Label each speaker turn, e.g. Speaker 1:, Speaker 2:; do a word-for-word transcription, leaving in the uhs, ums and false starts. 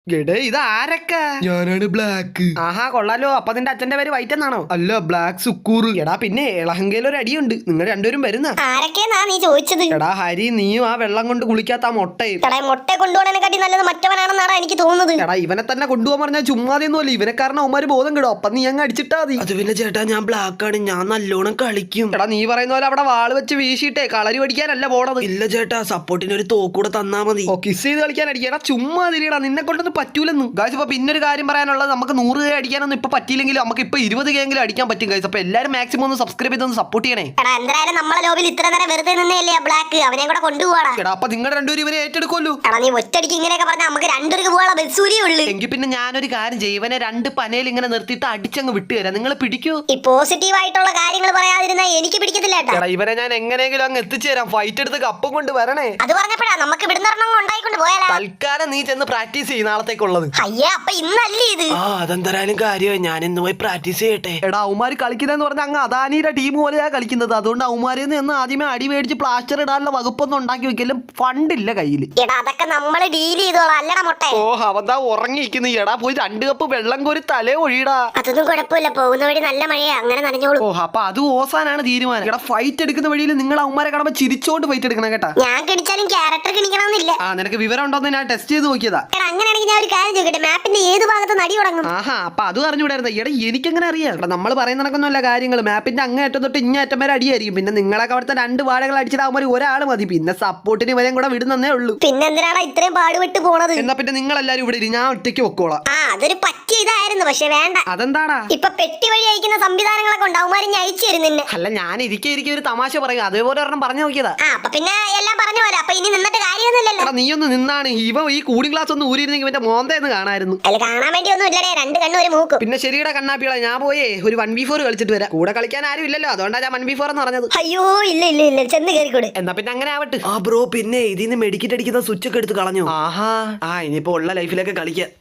Speaker 1: ഗഡേ ഇത് ആരൊക്കെ?
Speaker 2: ഞാനാണ് ബ്ലാക്ക്.
Speaker 1: ആഹാ കൊള്ളാലോ. അപ്പൊ നിന്റെ അച്ഛന്റെ പേര് വൈറ്റ് എന്നാണോ?
Speaker 2: അല്ല, ബ്ലാക്ക് സുക്കൂർ.
Speaker 1: എടാ പിന്നെ ഇളഹങ്കയിൽ ഒരു അടിയുണ്ട്. നിങ്ങൾ രണ്ടുപേരും വരുന്ന
Speaker 3: ആരൊക്കെയാ നീ ചോദിച്ചത്?
Speaker 1: എടാ ഹരി, നീയും ആ വെള്ളം കൊണ്ട് കുളിക്കാത്ത ആ മൊട്ടയും.
Speaker 3: എടാ മുട്ട കൊണ്ടുപോകാനെക്കാട്ടി നല്ലത് മറ്റവനാണെന്നാണ് എനിക്ക് തോന്നുന്നത്.
Speaker 1: എടാ ഇവനെ തന്നെ കൊണ്ടുപോകാൻ പറഞ്ഞാൽ ചുമ്മാതെയൊന്നുമല്ല. ഇവനെ കാരണം അവന്മാര് ബോധം കിടും. അപ്പൊ നീ അങ്ങ് അടിച്ചിട്ടാ മതി.
Speaker 2: അത് പിന്നെ ചേട്ടാ, ഞാൻ ബ്ലാക്ക് ആണ്, ഞാൻ നല്ലോണം കളിക്കും.
Speaker 1: എടാ നീ പറയുന്ന പോലെ അവിടെ വാള് വെച്ച് വീശിയിട്ടേ കളരി പഠിക്കാനല്ല പോണത്.
Speaker 2: ഇല്ല ചേട്ടാ, സപ്പോർട്ടിന് ഒരു തോക്കൂടെ തന്നാ മതി.
Speaker 1: ഓ കിസ് ചെയ്ത് കളിക്കാൻ അടിക്കാ. ചുമ്മാ തിരിയടാ, നിന്നെ കൊണ്ടൊന്നും പറ്റൂലെന്ന്. ഗായ്സ് ഇപ്പൊ പിന്നൊരു കാര്യം പറയാനുള്ളത്, നമുക്ക് നൂറ് കെ അടിക്കാനൊന്നും ഇപ്പൊ പറ്റിയില്ലെങ്കിലും നമുക്ക് ഇപ്പൊ ഇരുപത് കെ എങ്കിലും അടിക്കാൻ പറ്റും ഗായ്സ്. അപ്പൊ എല്ലാരും മാക്സിമം ഒന്ന് സബ്സ്ക്രൈബ് ചെയ്തൊന്ന് സപ്പോർട്ട് ചെയ്യണേ.
Speaker 3: എടാ എന്തായാലും നമ്മളെ ലോബിൽ ഇത്ര നേരം വെറുതെ നിന്നേല്ലേ ബ്ലാക്ക്, അവനെ കൂടെ കൊണ്ടുപോവാടാ.
Speaker 1: എടാ അപ്പൊ നിങ്ങൾ രണ്ടുപേരും ഇവരെ ഏറ്റെടുക്കുമല്ലോ.
Speaker 3: എടാ നീ ഒറ്റടിക്ക് ഇങ്ങനെയൊക്കെ പറഞ്ഞാൽ നമുക്ക് രണ്ടുപേർക്ക് പോകാനുള്ള ബസ്സൂരിയേ ഉള്ളു.
Speaker 1: എങ്കിൽ പിന്നെ ഞാനൊരു കാര്യം ചെയ്യും, ഇവനെ രണ്ട് പനയിൽ ഇങ്ങനെ നിർത്തിയിട്ട് അടിച്ചങ്ങ് വിട്ടുതരാം. നിങ്ങൾ പിടിക്കൂ.
Speaker 3: ഈ പോസിറ്റീവ് ആയിട്ടുള്ള കാര്യങ്ങൾ പറയാതിരുന്നാ എനിക്ക് പിടിക്കത്തില്ല കേട്ടോ.
Speaker 1: എടാ ഇവരെ ഞാൻ എങ്ങനെയെങ്കിലും അങ്ങ് എത്തിച്ചു തരാം. ഫൈറ്റ് എടുത്ത് കപ്പും കൊണ്ട് വരണേ.
Speaker 3: അത് പറഞ്ഞപ്പോഴാ നമുക്ക് ഇവിടുന്ന് ഉണ്ടായിക്കൊണ്ട് പോയാലോ.
Speaker 1: തൽക്കാലം നീ ചെന്ന് പ്രാക്ടീസ് ചെയ്യും നാളത്തേക്കുള്ളത്.
Speaker 3: അയ്യേ അപ്പൊ ഇന്നല്ലേ ഇത്?
Speaker 2: ആ അതെന്തായാലും കാര്യമായി, ഞാൻ ഇന്ന് പോയി പ്രാക്ടീസ് ചെയ്യട്ടെ.
Speaker 1: എടാ അവന്മാര് കളിക്കുന്നതെന്ന് പറഞ്ഞാൽ അങ്ങ് അദാനിയുടെ ടീം പോലെയാ കളിക്കുന്നത്. അതുകൊണ്ട് അവന്മാരിൽ നിന്ന് ആദ്യമേ അടി മേടിച്ച് പ്ലാസ്റ്റർ ഇടാനുള്ള വകുപ്പൊന്നും ഉണ്ടാക്കി വെക്കലും ഫണ്ടില്ല കയ്യിൽ.
Speaker 3: എടാ അതൊക്കെ നമ്മള് ഡീൽ ചെയ്തോളാം അല്ലടാ മുട്ട.
Speaker 1: ഓ അവന്താ ഉറങ്ങിയിരിക്കുന്നു. എടാ പോയി രണ്ട് കപ്പ് വെള്ളം കോരി തലേ ഒഴിയടാ.
Speaker 3: അതൊന്നും കുഴപ്പമില്ല, പോകുന്ന വഴി നല്ല മഴയാ, അങ്ങനെ നനഞ്ഞോളൂ.
Speaker 1: ഓ അപ്പൊ അത് ഓസാനാണ് തീരുമാനം. എടാ ഫൈറ്റ് എടുക്കുന്ന വഴിയിൽ നിങ്ങൾ അവന്മാരെ കാണുമ്പോ ചിരിച്ചോണ്ട് ഫൈറ്റ് എടുക്കണം കേട്ടാ.
Speaker 3: ഞാൻ കിണിച്ചാലും ക്യാരക്ടർ കിണിക്കണമെന്നില്ല.
Speaker 1: ആ നിനക്ക് വിവരം ഉണ്ടോന്ന് ഞാൻ ടെസ്റ്റ് ചെയ്ത് നോക്കിയതാ.
Speaker 3: എടാ അങ്ങനെയാണെങ്കിൽ ഞാൻ ഒരു കാര്യം ചോദിക്കട്ടെ, മാപ്പിന്റെ ഏത് ഭാഗത്ത് നടി തുടങ്ങും?
Speaker 1: ആഹാ അപ്പൊ അത് അറിഞ്ഞുകൂടായിരുന്നു. എടാ എനിക്കെങ്ങനെ അറിയാം? എടാ നമ്മൾ പറയുന്ന നടക്കൊന്നുമല്ല കാര്യങ്ങൾ. മാപ്പിന്റെ അങ്ങേ അറ്റം തൊട്ട് ഇങ്ങേ അറ്റം വരെ അടിയായിരിക്കും. പിന്നെ നിങ്ങളൊക്കെ അവിടുത്തെ രണ്ട് വാഴകൾ അടിച്ചിട്ടാകുമ്പോൾ ഒരാൾ മതി. പിന്നെ സപ്പോർട്ടിന് ഇവരെയും കൂടെ വിടുന്നേ ഉള്ളൂ.
Speaker 3: പിന്നെ എന്തിനാണ് ഇത്രയും പാടുപെട്ട് പോണത്?
Speaker 1: എന്നാ പിന്നെ നിങ്ങൾ എല്ലാരും ഇവിടെ ഇരി, ഞാൻ ഒറ്റയ്ക്ക് വെക്കോളാം.
Speaker 3: ആ അതൊരു പറ്റിയ ഇതായിരുന്നു, പക്ഷെ വേണ്ട.
Speaker 1: അതെന്താടാ?
Speaker 3: ഇപ്പൊ പെട്ടി വഴി അയക്കുന്ന സംവിധാനങ്ങളൊക്കെ ഉണ്ടാവുമാരും അയച്ചു തരും നിന്നെ.
Speaker 1: അല്ല ഞാൻ ഇരിക്കെ ഇരിക്കെ ഒരു തമാശ പറയും, അതേപോലെ ഒരെണ്ണം പറഞ്ഞു നോക്കിയതാ.
Speaker 3: ആ അപ്പൊ പിന്നെ എല്ലാം പറഞ്ഞു പോലെ. അപ്പൊ ഇനി നിന്നിട്ട് കാര്യമൊന്നുമില്ലല്ലോ.
Speaker 1: എടാ നീ ഒന്ന് നിന്നാണ്. ഇവ ഈ കൂളിംഗ് ഗ്ലാസ് ഒന്ന് ഊരിയിരുന്നെങ്കിൽ ഇവന്റെ മോന്തേന്ന് കാണായിരുന്നു.
Speaker 3: അതിൽ കാണാൻ വേണ്ടി ഒന്നും ഇല്ലടേ, രണ്ട് കണ്ണും ഒരു മൂക്കും.
Speaker 1: പിന്നെ ശരിയുടെ കണ്ണാപ്പിള, ഞാൻ പോയേ ഒരു വൺ ബി ഫോർ കളിച്ചിട്ട് വരാം. കൂടെ കളിക്കാൻ ആരും ഇല്ലല്ലോ, അതുകൊണ്ടാണ് ഞാൻ വൺ ബി ഫോർ എന്ന് പറഞ്ഞത്.
Speaker 3: അയ്യോ ഇല്ല ഇല്ല ഇല്ല, ചെന്ന് കയറിക്കൂടെ.
Speaker 1: എന്നാ പിന്നെ അങ്ങനെ ആവട്ടെ.
Speaker 2: ആ ബ്രോ, പിന്നെ ഇതിന്ന് മെഡിക്കറ്റ് അടിക്കുന്ന സ്വിച്ച് ഒക്കെ എടുത്ത് കളഞ്ഞു.
Speaker 1: ആഹാ
Speaker 2: ആ ഇനിയിപ്പോ ഉള്ള ലൈഫിലൊക്കെ കളിക്കാം.